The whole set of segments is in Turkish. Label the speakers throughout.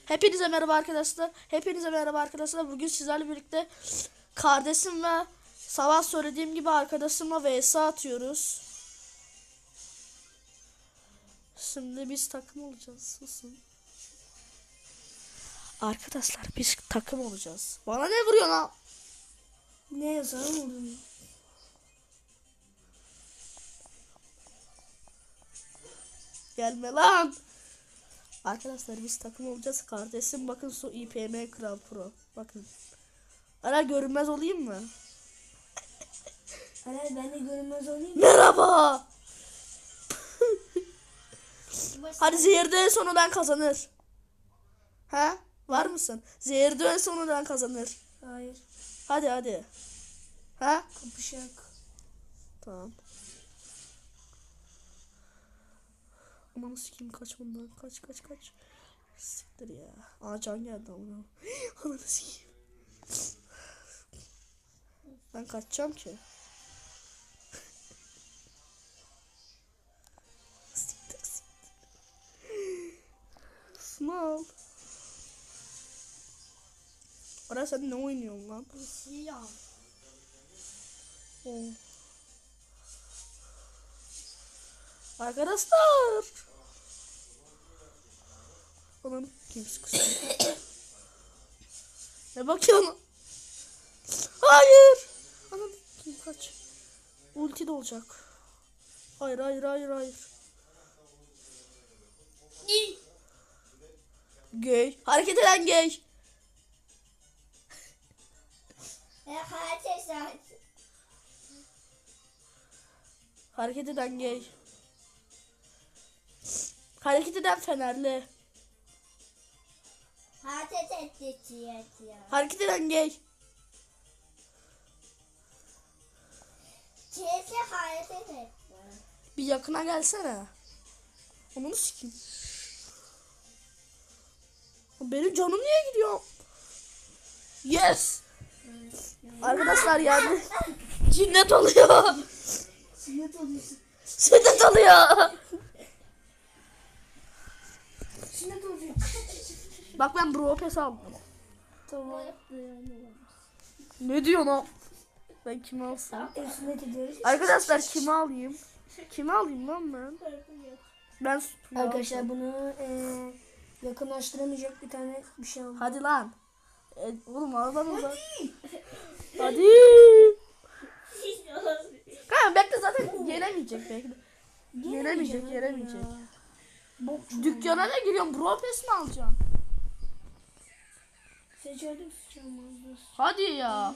Speaker 1: Hepinize merhaba arkadaşlar. Hepinize merhaba arkadaşlar. Bugün sizlerle birlikte kardeşim ve sabah söylediğim gibi arkadaşımla vs atıyoruz. Şimdi biz takım olacağız. Susun. Arkadaşlar biz takım olacağız. Bana ne vuruyor lan?
Speaker 2: Ne yazarım onu?
Speaker 1: Gelme lan. Arkadaşlar biz takım olacağız. Kardeşim bakın su IPM Kral Pro. Bakın. Ara görünmez olayım mı?
Speaker 2: Ara ben de görünmez olayım mı?
Speaker 1: Merhaba. Hadi zehirde en sonundan kazanır. Ha? Var mısın? Zehirde en sonundan kazanır.
Speaker 2: Hayır.
Speaker 1: Hadi. Ha?
Speaker 2: Kapışak.
Speaker 1: Tamam. Aman sikeyim kaç bundan. Kaç. Siktir ya. Aa can geldi ama. Aman sikeyim. Ben kaçacağım ki. Siktir. Small. Ara sen ne oynuyorsun lan?
Speaker 2: Siyah.
Speaker 1: Oh. Arkadaşlar. Onun kim sıkıştı? Ne bakıyorsun? Hayır. Anam kim kaç? Ulti de olacak. Hayır. Gay. Hareket eden gay. Hareket eden gay. Hareket eden fenerli. Hareket eden gay. Bir yakına gelsene. Onu sikeyim. Benim canım niye gidiyor? Yes. Arkadaşlar yani cinnet oluyor.
Speaker 2: Siyah oluyorsun.
Speaker 1: Sünnet oluyor.
Speaker 2: Siyah oluyor.
Speaker 1: Bak ben bro pes aldım.
Speaker 2: Tamam.
Speaker 1: Ne diyorsun o? Ben kimi alsam?
Speaker 2: Sünnet ediyoruz.
Speaker 1: Arkadaşlar kimi alayım? Kimi alayım lan ben? Ben
Speaker 2: Arkadaşlar bunu yakınlaştıramayacak bir tane bir şey aldım.
Speaker 1: Hadi lan. Oğlum aradan uzak. Hadi. Kanka bekle zaten yenemeyecek belki de. Yenemeyecek. Dükkana da giriyorum. Bro pes mi alacaksın?
Speaker 2: Seçerdim sıçramazdı.
Speaker 1: Hadi ya.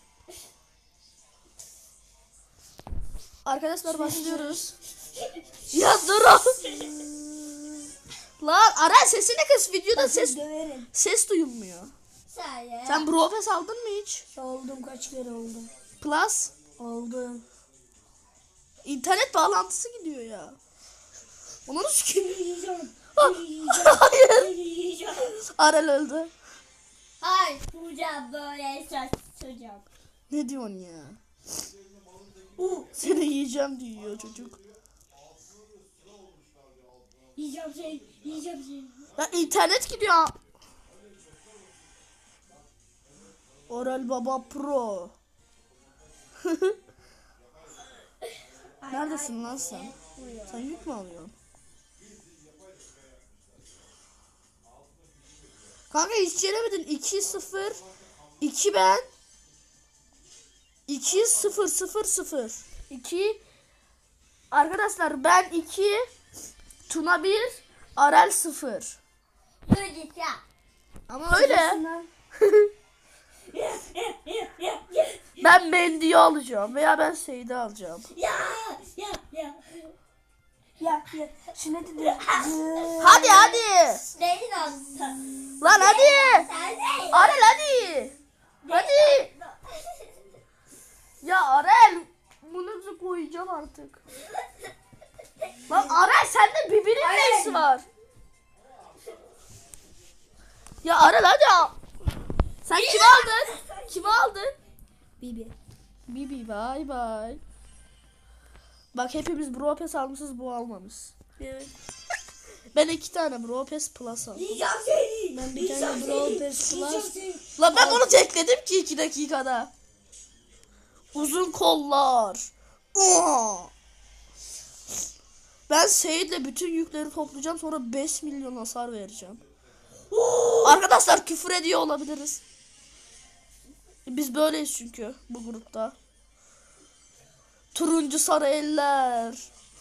Speaker 1: Arkadaşlar başlıyoruz. Ya dur. Lan ara sesini kız, videoda
Speaker 2: Döverim.
Speaker 1: ses duyulmuyor. Sen bro pes aldın mı hiç?
Speaker 2: Oldum, kaç kere oldum.
Speaker 1: Plus
Speaker 2: Oldum.
Speaker 1: internet bağlantısı gidiyor ya. Onu nasıl sikeyim?
Speaker 2: Yiyeceğim.
Speaker 1: Hayır. Arel öldü.
Speaker 3: Hayır, hocam böyle saçacağım.
Speaker 1: Ne diyorsun ya? Seni yiyeceğim diyor çocuk.
Speaker 3: Yiyeceğim seni.
Speaker 1: Ya internet gidiyor. Orel Baba Pro. Neredesin lan sen? Sen yük mü alıyorsun? Kanka hiç yenemedin. 2-0. 2 ben. 2-0. 2. Arkadaşlar ben 2. Tuna 1. Arel 0.
Speaker 3: Böyle ya.
Speaker 1: Ama öyle. Ben Mendy'yi alacağım veya ben Seyit'i alacağım.
Speaker 3: Ya.
Speaker 2: Ya sünnet ediyorum.
Speaker 1: Hadi.
Speaker 3: Neyin aslında?
Speaker 1: Lan hadi.
Speaker 3: Sen ne?
Speaker 1: Arel hadi. Ya Arel. Bunu koyacağım artık. Lan Arel sende birbirinin nesi var? Ya Arel hadi. Sen kimi aldın?
Speaker 2: Bibi.
Speaker 1: Bibi bye. Bak hepimiz Bro Pass almışız, bu almamış.
Speaker 2: Evet.
Speaker 1: Ben 2 tane Bro Pass Plus aldım.
Speaker 3: Yiyeceğim seni.
Speaker 2: Ben bir tane Brawl Pass Plus.
Speaker 1: Lan ben bunu tekledim ki 2 dakikada. Uzun kollar. Aa! Ben Seyit'le bütün yükleri toplayacağım, sonra 5 milyon hasar vereceğim. Arkadaşlar küfür ediyor olabiliriz. Biz böyleyiz çünkü bu grupta. Turuncu sarı eller.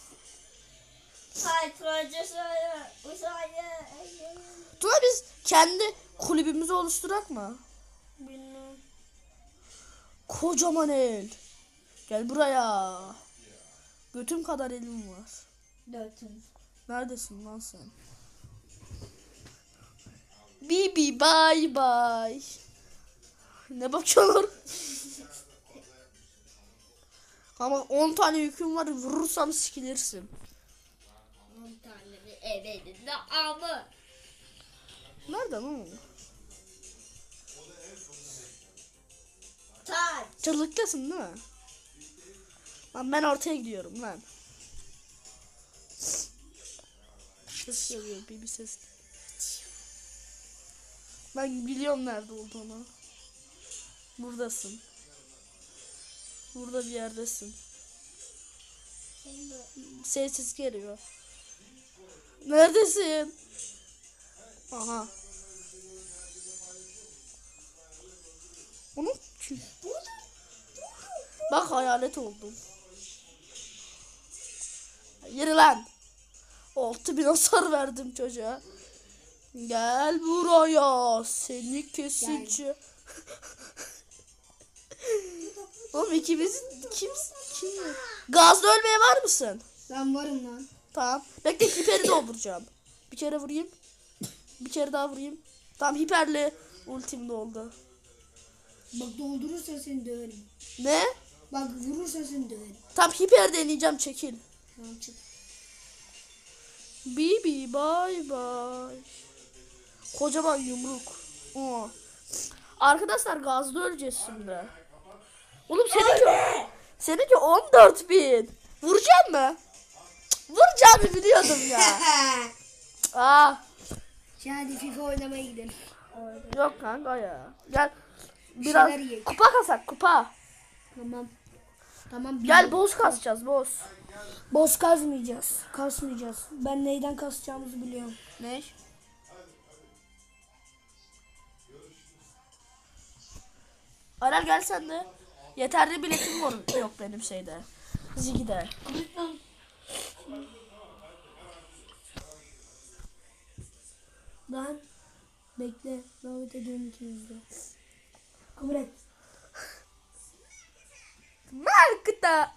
Speaker 3: Hayır turuncu sarı. Uzaylı.
Speaker 1: Tuna biz kendi kulübümüzü oluşturak mı?
Speaker 2: Bilmem.
Speaker 1: Kocaman el. Gel buraya. Götüm kadar elim var.
Speaker 3: Dörtüm.
Speaker 1: Neredesin lan sen? Bibi bye bye. Ne bakıyorlar? Ama 10 tane yüküm var, vurursam sikilirsin.
Speaker 3: 10 tane bir evde ama.
Speaker 1: Nerede lan o?
Speaker 3: Taç.
Speaker 1: Çırlıktasın değil mi? Lan ben ortaya gidiyorum lan. Ses geliyor, bir ses. Ben biliyorum nerede olduğunu. Buradasın. Burada bir yerdesin. Ses geliyor. Neredesin? Aha. Onu kim? Bak hayalet oldum. Yürü lan. 6000 hasar verdim çocuğa. Gel buraya. Seni kesici. Oğlum ikimiz kim? Gazda ölmeye var mısın?
Speaker 2: Ben varım lan.
Speaker 1: Tamam. Bekle, hiperi dolduracağım. Bir kere vurayım. Bir kere daha vurayım. Tamam, hiperli ultim doldu.
Speaker 2: Bak doldurursan seni döverim.
Speaker 1: Ne?
Speaker 2: Bak vurursan seni döverim.
Speaker 1: Tam hiper deneyeceğim, çekil.
Speaker 2: Tamam çık.
Speaker 1: Bibi bye bye. Kocaman yumruk. Oo. Arkadaşlar gazda öleceğiz şimdi. Oğlum seninki 14.000. Vuracak mı? Cık, vuracağımı biliyordum ya. Aa,
Speaker 2: Hadi FIFA oynamaya gidelim.
Speaker 1: yok kanka ya. Gel biraz
Speaker 2: şeyler yiyelim.
Speaker 1: kupa kasak, kupa.
Speaker 2: Tamam. Tamam.
Speaker 1: Gel boz kasacağız, boz.
Speaker 2: Boss kazmayacağız. Kasmayacağız. Ben neyden kasacağımızı biliyorum.
Speaker 1: Ne? Arar gel sen de. Yeterli biletim var yok benim şeyde. Zigi'de.
Speaker 2: Ben bekle. Davet ediyorum ikinizi de. Kabul et.
Speaker 1: Markta.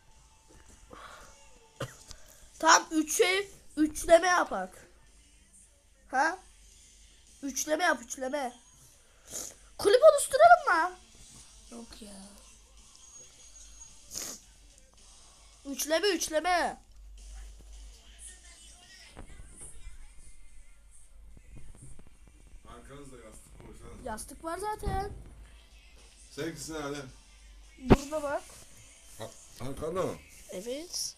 Speaker 1: Tam 3'e üçleme yapak. Ha? Üçleme yap, üçleme. Kulüp oluşturalım mı?
Speaker 2: Yok ya.
Speaker 1: Üçleme, üçleme.
Speaker 4: Arkanızda yastık koysana.
Speaker 1: Yastık var zaten.
Speaker 4: Seninkisi nerede?
Speaker 1: Burada bak.
Speaker 4: Arkanda mı?
Speaker 1: Evet.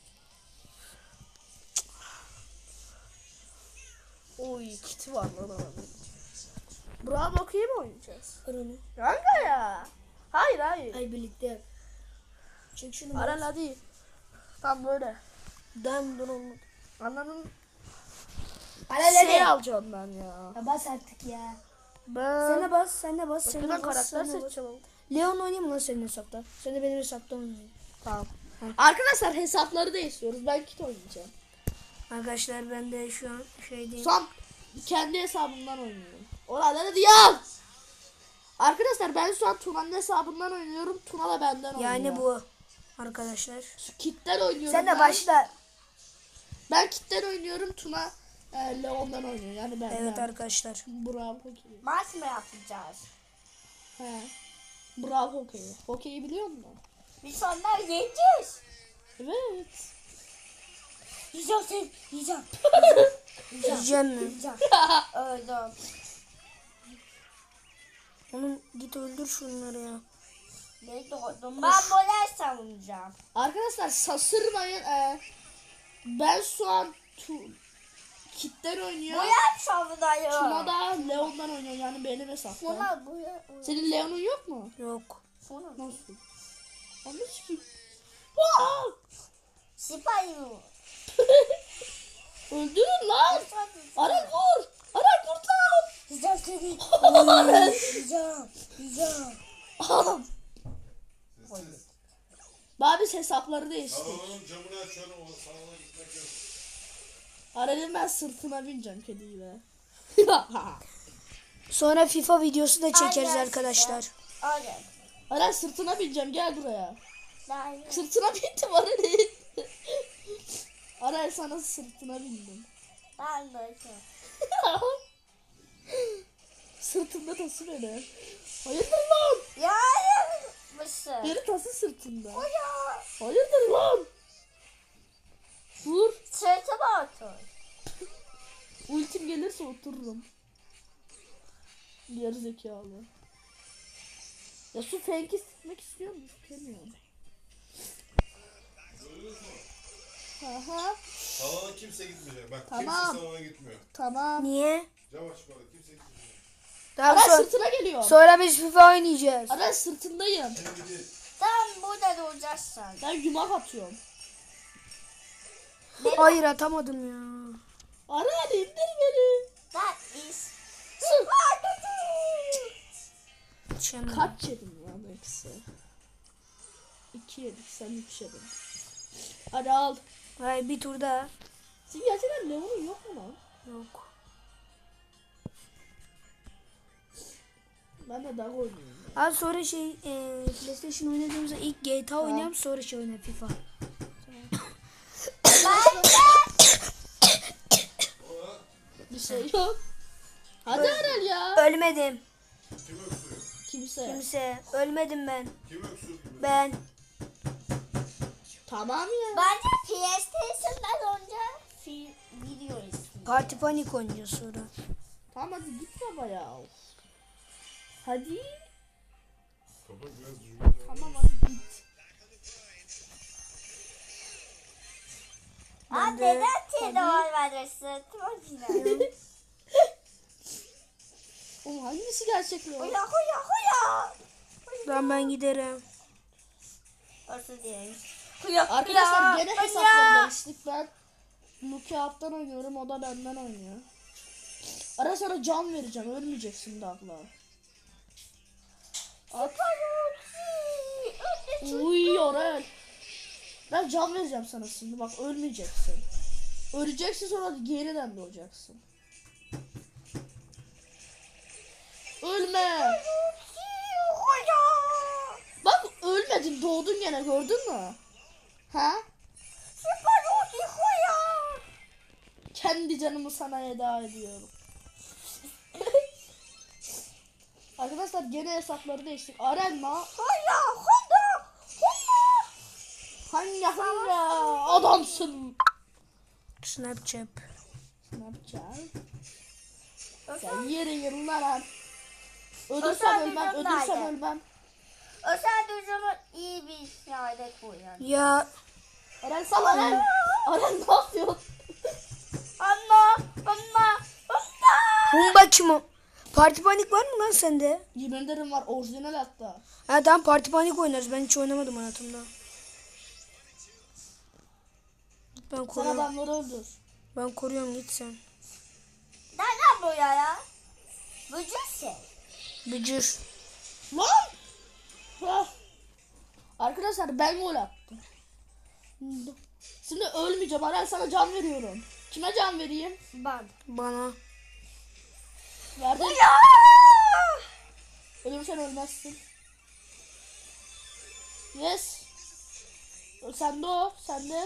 Speaker 1: Oy, kiti var lan abi. Bravo, okey mi oynayacağız?
Speaker 2: Aranı.
Speaker 1: Kanka ya. Hayır hayır.
Speaker 2: Ay birlikte yap. Çek şunu.
Speaker 1: Aral hadi. Tam böyle.
Speaker 2: Dan dur olmadı.
Speaker 1: Anladın?
Speaker 2: Aral
Speaker 1: Şey alacağım ben ya.
Speaker 2: Ya bas artık ya.
Speaker 1: Ben...
Speaker 2: Sen de bas, sen de bas. Sen
Speaker 1: Ben
Speaker 2: de bas,
Speaker 1: karakter
Speaker 2: sen de bas.
Speaker 1: seçeceğim.
Speaker 2: Leon oynayayım mı lan senin hesapta? Sen de benim hesapta oynayın.
Speaker 1: Tamam. Arkadaşlar hesapları değiştiriyoruz. Ben kit oynayacağım.
Speaker 2: Arkadaşlar ben de şu an şeydeyim.
Speaker 1: Son kendi hesabımdan oynuyorum. Oraları diyor. Arkadaşlar ben şu an Tuna'nın hesabından oynuyorum. Tuna da benden oynuyor.
Speaker 2: Yani bu arkadaşlar.
Speaker 1: Kitten oynuyorum.
Speaker 2: Sen de
Speaker 1: ben.
Speaker 2: başla.
Speaker 1: Ben kitten oynuyorum. Tuna Leon'dan oynuyor. Yani ben.
Speaker 2: Evet arkadaşlar.
Speaker 1: Bravo hokeyi.
Speaker 3: Maç mı yapacağız?
Speaker 1: He. Bravo hokeyi. Hokeyi biliyor musun?
Speaker 3: Biz onlar yeneceğiz.
Speaker 1: Evet.
Speaker 3: Yiyeceğim seni. Yiyeceğim.
Speaker 2: Yiyeceğim mi?
Speaker 3: Yiyeceğim. Öldüm.
Speaker 2: Oğlum git öldür şunları ya.
Speaker 3: Ne doğdum? Ben böyle savunacağım.
Speaker 1: Arkadaşlar şaşırmayın. Ben şu an Kit'ten oynuyor.
Speaker 3: Boya savunayım.
Speaker 1: Tuna da Leon'dan oynuyor yani benim hesapta.
Speaker 3: Buna boya.
Speaker 1: Senin Leon'un yok mu?
Speaker 2: Yok.
Speaker 3: Buna.
Speaker 1: Nasıl? Anladın ki. Aa!
Speaker 3: Sipayım.
Speaker 1: Öldürün lan. Aran vur. Aran kurtar.
Speaker 3: Güzel seni. Güzel. Güzel.
Speaker 1: Oğlum.
Speaker 4: Sessiz.
Speaker 1: Babiş hesapları değişti.
Speaker 4: Salonun camını açıyorum. O salona gitmek yok.
Speaker 1: Aran'ın ben sırtına bineceğim kediyle.
Speaker 2: Sonra FIFA videosu da çekeriz
Speaker 3: Aynen.
Speaker 2: arkadaşlar.
Speaker 3: Öyle.
Speaker 1: Aran sırtına bineceğim gel buraya.
Speaker 3: Daha
Speaker 1: Sırtına bindim Aran'ın. Aran sana sırtına bindim.
Speaker 3: ben de.
Speaker 1: Sırtında tası beni. Hayırdır lan?
Speaker 3: Ya yapmışsın.
Speaker 1: Beni tası sırtında.
Speaker 3: Ya.
Speaker 1: Hayırdır lan? Vur.
Speaker 3: Sırtıma otur.
Speaker 1: Ultim gelirse otururum. Gerizekalı. Ya şu fenki sıkmak istiyor musun? İstemiyorum. Aha.
Speaker 4: Salona kimse gitmeyecek. Bak
Speaker 1: Tamam.
Speaker 4: kimse salona gitmiyor.
Speaker 1: Tamam.
Speaker 2: Niye?
Speaker 4: Cam açık orada. Kimse gitmiyor.
Speaker 2: Daha
Speaker 1: Aran
Speaker 2: sonra,
Speaker 1: sırtına geliyor.
Speaker 2: sonra biz FIFA oynayacağız.
Speaker 1: Aran sırtındayım.
Speaker 4: Şimdi değil.
Speaker 3: Sen burada duracaksın.
Speaker 1: Ben yumak atıyorum.
Speaker 2: Hayır atamadım ya.
Speaker 1: Aran indir beni.
Speaker 3: That is.
Speaker 2: Şimdi.
Speaker 1: Kaç yedim lan eksi? 2 yedik sen 3 yedin. Hadi al.
Speaker 2: Hayır bir tur daha.
Speaker 1: Senin gerçekten Leon'un yok mu lan?
Speaker 2: Yok.
Speaker 1: Ben de daha oynuyorum.
Speaker 2: Abi sonra PlayStation oynadığımızda ilk GTA oynayalım sonra oynayalım FIFA.
Speaker 1: Bir şey yok. Hadi Aral ya.
Speaker 2: Ölmedim.
Speaker 4: Kim öksürüyor?
Speaker 1: Kimse.
Speaker 2: Kimse. Ölmedim ben.
Speaker 4: Kim öksürüyor?
Speaker 2: Ben.
Speaker 1: Tamam ya.
Speaker 3: Bence PlayStation'dan önce video izledim.
Speaker 2: Parti Panik oynayacağız sonra.
Speaker 1: Tamam hadi git baba ya. Hadi.
Speaker 4: Kapat biraz düzgün.
Speaker 1: Tamam hadi git.
Speaker 3: Aa
Speaker 2: de-
Speaker 3: neden telefon verirsin? Sırtıma
Speaker 1: Oğlum hangisi gerçekli o?
Speaker 3: Huya huya huya.
Speaker 2: Ben giderim.
Speaker 3: Nasıl diyeyim?
Speaker 1: Arkadaşlar gene hesapları değiştik. Ben Lukiap'tan oynuyorum. O da benden oynuyor. Ara sana can vereceğim. Ölmeyeceksin de abla. At. Uy Orel. Ben can vereceğim sana şimdi. Bak ölmeyeceksin. Öleceksin sonra yeniden doğacaksın. Ölme. Bak ölmedin doğdun gene gördün mü? Ha? Kendi canımı sana eda ediyorum. Arkadaşlar gene hesapları değiştik. Arenma. Hangi adamsın?
Speaker 2: Snapchat.
Speaker 1: Ne yapacağız? Sen yere yıllar. Ölürsem
Speaker 3: Özel
Speaker 1: ölmem,
Speaker 3: düzgün
Speaker 1: ölürsem
Speaker 3: nerede?
Speaker 1: ölmem.
Speaker 3: Özel düzümü iyi bir yerde koyun.
Speaker 2: Ya
Speaker 1: Aren sal Aren. Aren ne yapıyorsun?
Speaker 3: Anne.
Speaker 2: Humba kim o? Parti Panik var mı lan sende?
Speaker 1: Yemin ederim var orijinal hatta.
Speaker 2: Ha tamam Parti Panik oynarız. Ben hiç oynamadım hayatımda. Ben
Speaker 1: Sen
Speaker 2: koruyorum.
Speaker 1: adamları öldür.
Speaker 2: Ben koruyorum git sen.
Speaker 3: Nereden bu ya? Vücut şey.
Speaker 2: Bücür.
Speaker 1: Lan! Ah. Arkadaşlar ben gol attım. Şimdi ölmeyeceğim. Aren sana can veriyorum. Kime can vereyim?
Speaker 3: Ben.
Speaker 2: Bana.
Speaker 1: Verdim. Ölürsen ölmezsin. Yes. Sende o. Sende.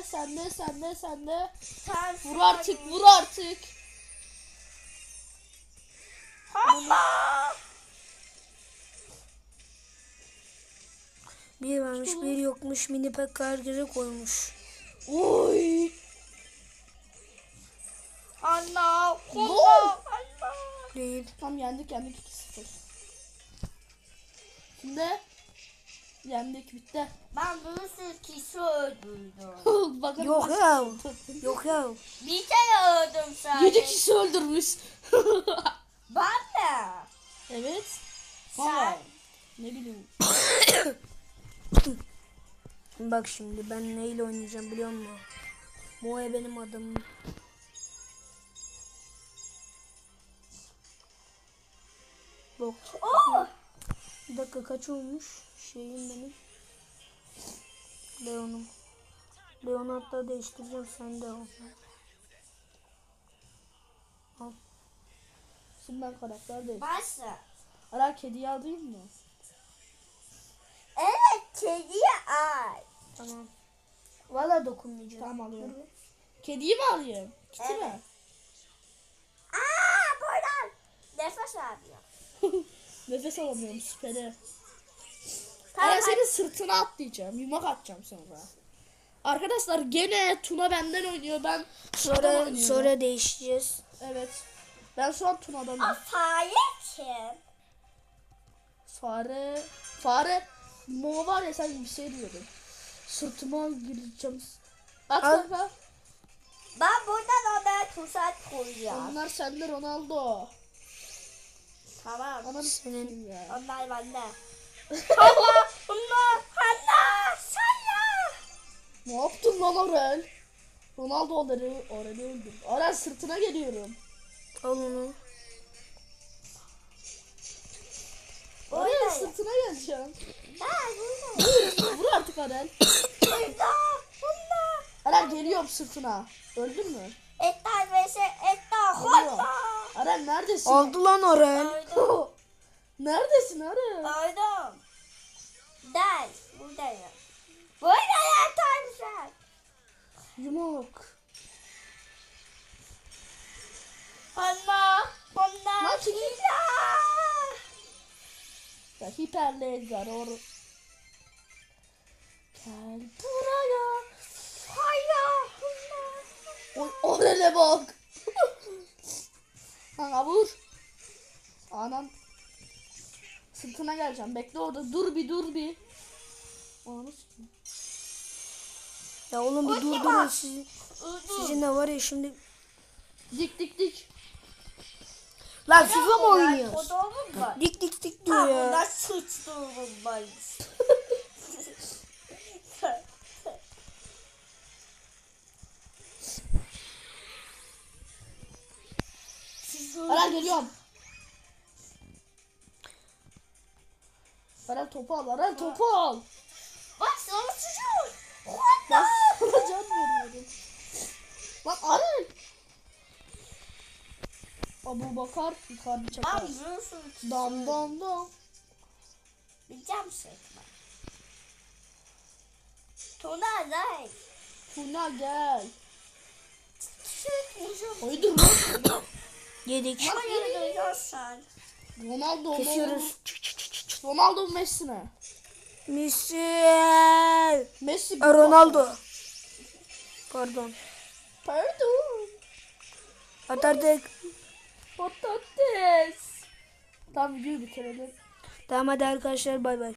Speaker 3: Sen
Speaker 1: Vur artık. Vur artık.
Speaker 2: Bir varmış bir yokmuş. Mini pek herkese koymuş.
Speaker 1: Oy.
Speaker 3: Anne.
Speaker 1: Gol.
Speaker 2: Değil.
Speaker 1: Tam yendik 2-0. Şimdi Yendik bitti.
Speaker 3: Ben bir sürü kişi öldürdüm.
Speaker 1: Bakın
Speaker 2: Yok ya. Yok ya.
Speaker 3: Bir tane öldüm sadece.
Speaker 1: 7 kişi öldürmüş.
Speaker 3: Ben de.
Speaker 1: Evet.
Speaker 3: Sen.
Speaker 1: Valla. Ne bileyim.
Speaker 2: Bak şimdi ben neyle oynayacağım biliyor musun? Moe benim adamım. Bak.
Speaker 3: Oh!
Speaker 2: Bir dakika kaç olmuş? Şeyim benim. Leon'um. Leon'u hatta değiştireceğim, sen de ol.
Speaker 1: Şimdi ben karakter değil.
Speaker 3: Başla.
Speaker 1: Ara kediyi alayım mı?
Speaker 3: Evet kediye ay.
Speaker 2: Tamam. Valla dokunmayacağım.
Speaker 1: Tamam alıyorum. Kediyi mi alayım? Kiti
Speaker 3: Evet.
Speaker 1: mi?
Speaker 3: Aa buradan. Nefes alıyor.
Speaker 1: Nefes alamıyorum süperi.
Speaker 3: Tamam,
Speaker 1: Ara senin sırtına atlayacağım. Yumak atacağım sonra. Arkadaşlar gene Tuna benden oynuyor. Ben Tuna'dan
Speaker 2: Sonra
Speaker 1: oynuyorum.
Speaker 2: sonra değişeceğiz.
Speaker 1: Evet. Ben şu an Tuna'danım.
Speaker 3: O fare kim?
Speaker 1: Fare. Mo var ya sen bir şey diyordun. Sırtıma gireceğim. At
Speaker 2: Al.
Speaker 1: kanka.
Speaker 3: Ben buradan ona tuzak koyacağım.
Speaker 1: Onlar sende Ronaldo.
Speaker 3: Tamam.
Speaker 1: Ananı
Speaker 2: Senin-
Speaker 1: s**eyim ya.
Speaker 3: Onlar bende. Hanna! Hanna! Sana!
Speaker 1: Ne yaptın lan Orel? Ronaldo Orel'i öldürdü. Orel sırtına geliyorum.
Speaker 2: Al onu.
Speaker 1: Orel
Speaker 3: Orel.
Speaker 1: sırtına geleceğim.
Speaker 3: Ben buradayım.
Speaker 1: Vur artık Orel.
Speaker 3: Burada. Bunda.
Speaker 1: Orel geliyorum sırtına. Öldün mü?
Speaker 3: Etler vs. Etler.
Speaker 1: Geliyorum.
Speaker 3: Hanna!
Speaker 1: Orel neredesin?
Speaker 2: Aldı lan Orel.
Speaker 3: Öldüm.
Speaker 1: Neredesin Orel?
Speaker 3: Öldüm. Gel. Buradayım. Buradayım Tanrı.
Speaker 1: Yumak.
Speaker 3: Hanna. Hanna.
Speaker 1: Lan çekil.
Speaker 3: Hila.
Speaker 1: Ya hiperlaser or. Gel buraya.
Speaker 3: Hayır. Hanna.
Speaker 1: Oy Orel'e bak. Kanka vur. Anam. Sırtına geleceğim. Bekle orada. Dur bir. Ananı sikeyim.
Speaker 2: Ya oğlum bir
Speaker 3: Ulti
Speaker 2: durdurun
Speaker 3: var.
Speaker 2: sizi.
Speaker 3: Öldüm.
Speaker 2: Sizin de var ya şimdi.
Speaker 1: Dik.
Speaker 2: Lan FIFA mı oynuyoruz?
Speaker 3: Fotoğrafım var.
Speaker 2: Dik dik dik
Speaker 3: Ha
Speaker 2: diyor ya.
Speaker 3: burada suçluğum var.
Speaker 1: Aral geliyorum. Aral topu al.
Speaker 3: Bak sana suçluğum.
Speaker 1: Ben sana can veriyorum. Lan Aral. Abu Bakar yukarı çakar.
Speaker 3: Ben bir suçluğum.
Speaker 1: Dam.
Speaker 3: Bileceğim sıkma. Tuna ne?
Speaker 1: Tuna gel.
Speaker 3: Sıkmışım.
Speaker 1: Hayırdır lan?
Speaker 2: Yedik.
Speaker 3: Ama yürüyorsan.
Speaker 1: Ronaldo mu?
Speaker 2: Kesiyoruz.
Speaker 1: Ronaldo mu Messi mi?
Speaker 2: Messi.
Speaker 1: Messi.
Speaker 2: Ronaldo. Pardon.
Speaker 1: Pardon.
Speaker 2: Atardık.
Speaker 1: Patates. Tamam videoyu bitirelim.
Speaker 2: Tamam hadi arkadaşlar bay bay.